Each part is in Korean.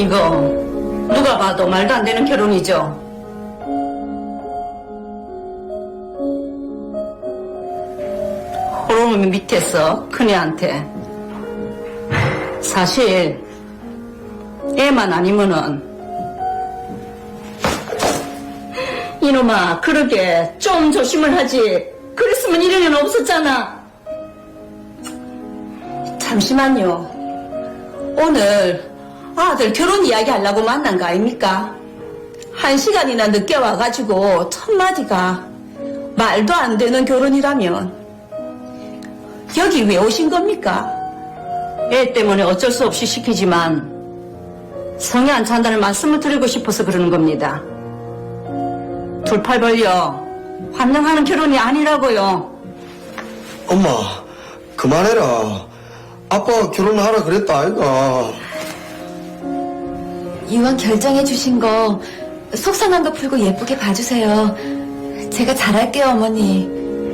이거 누가 봐도 말도 안 되는 결혼이죠. 호르몬 밑에서 큰애한테 사실 애만 아니면은 이놈아 그러게 좀 조심을 하지. 그랬으면 이런 일 없었잖아. 잠시만요. 오늘 아들 결혼 이야기 하려고 만난 거 아닙니까? 1시간이나 늦게 와가지고 첫마디가 말도 안 되는 결혼이라면 여기 왜 오신 겁니까? 애 때문에 어쩔 수 없이 시키지만 성에 안 찬다는 말씀을 드리고 싶어서 그러는 겁니다. 둘 팔 벌려 환영하는 결혼이 아니라고요. 엄마, 그만해라. 아빠가 결혼하라 그랬다, 아이가. 이왕 결정해 주신 거 속상한 거 풀고 예쁘게 봐주세요. 제가 잘할게요, 어머니.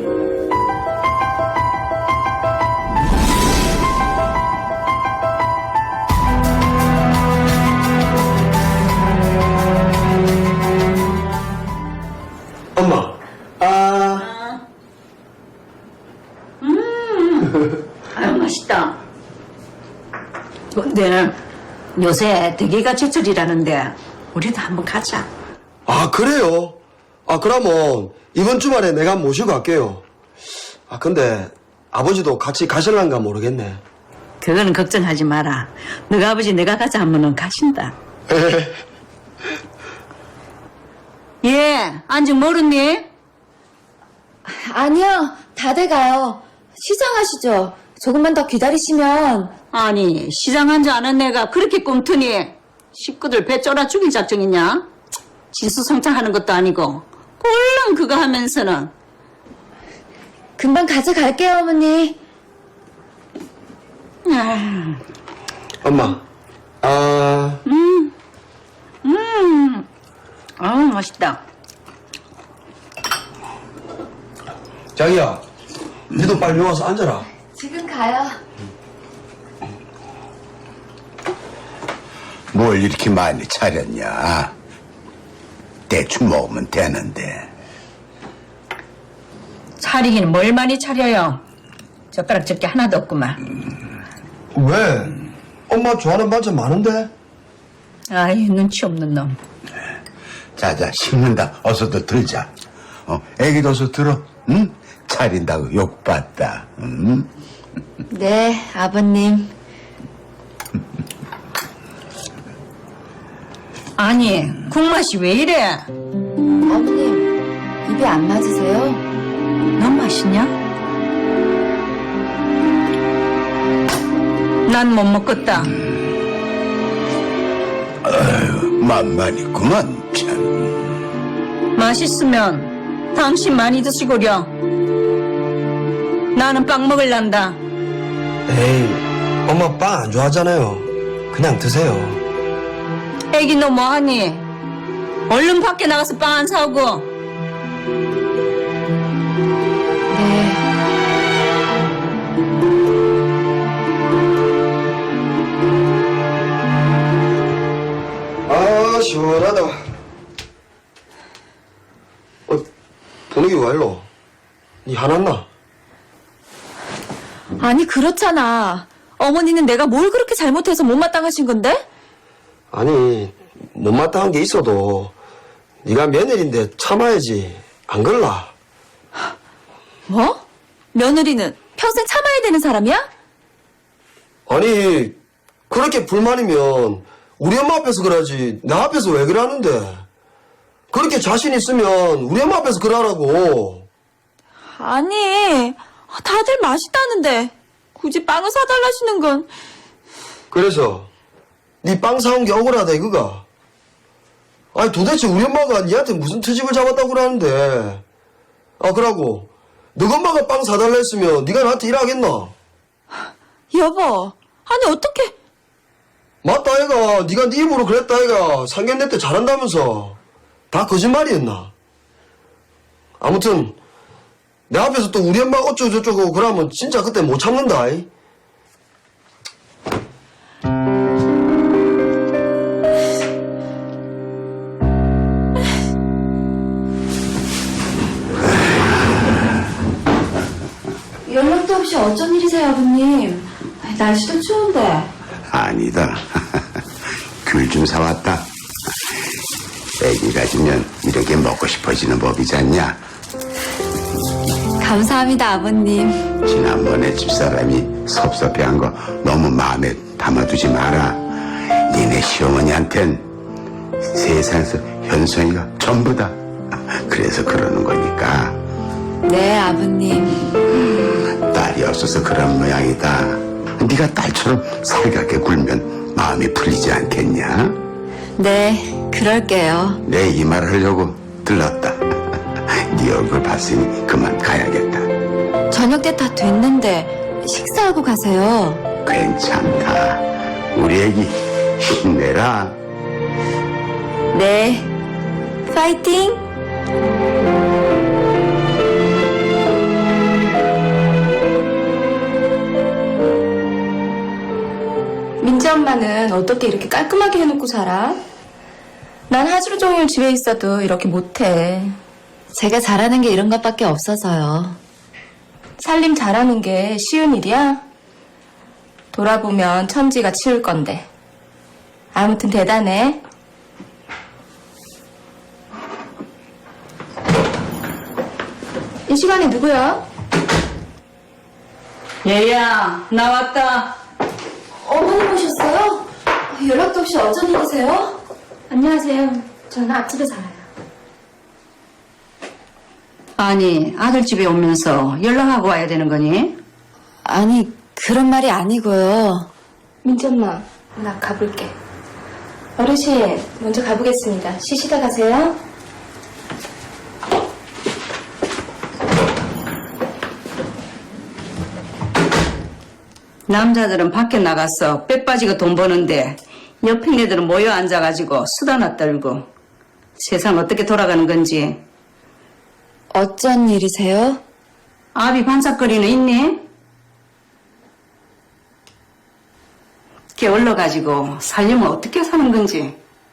엄마, 아유 맛있다. 근데 요새 대게가 제철이라는데 우리도 한번 가자. 아, 그래요? 아, 그러면 이번 주말에 내가 모시고 갈게요. 아, 근데 아버지도 같이 가실란가 모르겠네. 그거는 걱정하지 마라. 너가 아버지 내가 가자 하면은 가신다. 예, 안직 모르니? 아니요, 다 돼가요. 시장하시죠. 조금만 더 기다리시면. 아니 시장 한 줄 아는 내가 그렇게 꿈트니 식구들 배 쫄아 죽일 작정이냐? 진수성찬하는 것도 아니고 꼴랑 그거 하면서는. 금방 가져갈게요, 어머니. 엄마, 아우 맛있다. 자기야, 니도 빨리 와서 앉아라. 지금 가요. 뭘 이렇게 많이 차렸냐? 대충 먹으면 되는데. 차리긴 뭘 많이 차려요. 젓가락 적게 하나도 없구만. 왜? 엄마 좋아하는 반찬 많은데? 아이 눈치 없는 놈. 자자, 식는다. 어서도 들자. 애기도 어서 들어. 응? 차린다고 욕받다. 응? 네, 아버님. 아니 국맛이 왜 이래? 어머님, 입에 안 맞으세요? 넌 맛있냐? 난 못 먹겠다. 만만이구만, 참. 맛있으면 당신 많이 드시고려. 나는 빵 먹을란다. 에이, 엄마 빵 안 좋아하잖아요. 그냥 드세요. 애기 너 뭐하니? 얼른 밖에 나가서 빵 안 사오고. 네. 아, 시원하다. 분위기 왜 일로? 니 화났나? 아니, 그렇잖아. 어머니는 내가 뭘 그렇게 잘못해서 못마땅하신 건데? 아니, 못마땅한 게 있어도 네가 며느리인데 참아야지. 안 그럴라? 뭐? 며느리는 평생 참아야 되는 사람이야? 아니, 그렇게 불만이면 우리 엄마 앞에서 그러지 나 앞에서 왜 그러는데? 그렇게 자신 있으면 우리 엄마 앞에서 그러라고. 아니, 다들 맛있다는데 굳이 빵을 사달라시는 건. 그래서 네 빵 사온 게 억울하다 이거가. 아니 도대체 우리 엄마가 니한테 무슨 트집을 잡았다고 그러는데. 아 그러고 너 엄마가 빵 사달라 했으면 네가 나한테 일하겠나? 여보, 아니 어떻게? 맞다 아이가. 네가 네 입으로 그랬다 아이가. 상견례 때 잘한다면서. 다 거짓말이었나? 아무튼 내 앞에서 또 우리 엄마 어쩌고저쩌고 그러면 진짜 그때 못 참는다. 어쩐 일이세요, 아버님? 날씨도 추운데. 아니다. 귤 좀 사왔다. 애기 가지면 이렇게 먹고 싶어지는 법이지 않냐? 감사합니다, 아버님. 지난번에 집사람이 섭섭해한 거 너무 마음에 담아두지 마라. 니네 시어머니한텐 세상에서 현성이가 전부다. 그래서 그러는 거니까. 네, 아버님. 딸이 없어서 그런 모양이다. 네가 딸처럼 살갑게 굴면 마음이 풀리지 않겠냐? 네, 그럴게요. 내 이 말 하려고 들렀다. 네 얼굴 봤으니 그만 가야겠다. 저녁 때 다 됐는데 식사하고 가세요. 괜찮다. 우리 애기 힘내라. 네, 파이팅! 민지 엄마는 어떻게 이렇게 깔끔하게 해놓고 살아? 난 하루 종일 집에 있어도 이렇게 못해. 제가 잘하는 게 이런 것밖에 없어서요. 살림 잘하는 게 쉬운 일이야? 돌아보면 천지가 치울 건데. 아무튼 대단해. 이 시간에 누구야? 얘야, 나왔다. 어머님 오셨어요? 연락도 없이 어쩐 일이세요? 안녕하세요. 저는 앞집에 살아요. 아니, 아들 집에 오면서 연락하고 와야 되는 거니? 아니, 그런 말이 아니고요. 민지 엄마, 나 가볼게. 어르신, 먼저 가보겠습니다. 쉬시다 가세요. 남자들은 밖에 나가서 빼 빠지고 돈 버는데 옆에 애들은 모여 앉아가지고 수다나 떨고 세상 어떻게 돌아가는 건지. 어쩐 일이세요? 아비 반짝거리는 있니? 게을러가지고 살려면 어떻게 사는 건지.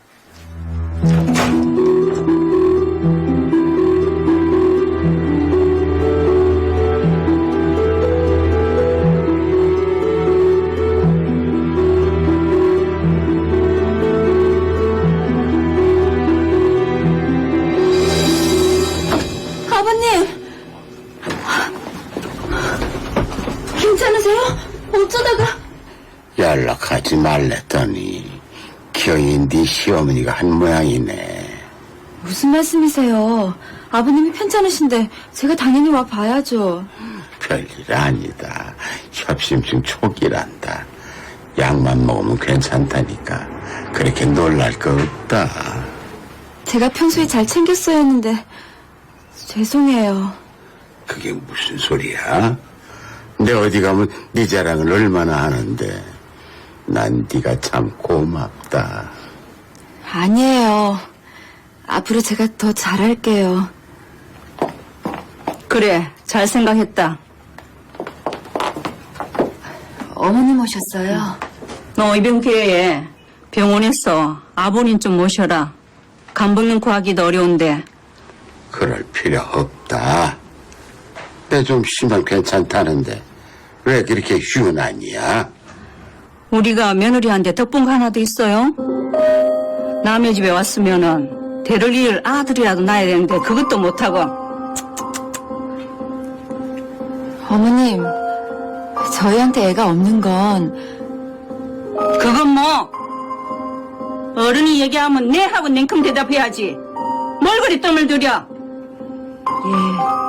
아버님! 괜찮으세요? 어쩌다가? 연락하지 말랬더니 기어이 네 시어머니가 한 모양이네. 무슨 말씀이세요? 아버님이 편찮으신데 제가 당연히 와 봐야죠. 별일 아니다. 협심증 초기란다. 약만 먹으면 괜찮다니까. 그렇게 놀랄 거 없다. 제가 평소에 잘 챙겼어야 했는데 죄송해요. 그게 무슨 소리야? 내 어디 가면 네 자랑을 얼마나 하는데. 난 네가 참 고맙다. 아니에요. 앞으로 제가 더 잘할게요. 그래, 잘 생각했다. 어머님 오셨어요? 너 이번 기회에 병원에서 아버님 좀 모셔라. 간병인 구하기도 어려운데. 그럴 필요 없다. 내 좀 심하면 괜찮다는데 왜 그렇게 흉하냐? 우리가 며느리한테 덕분 하나도 있어요? 남의 집에 왔으면은 데릴 일 아들이라도 낳아야 되는데 그것도 못하고. 어머님, 저희한테 애가 없는 건 그건 뭐? 어른이 얘기하면 네 하고 냉큼 대답해야지. 뭘 그리 뜸을 들여? 예,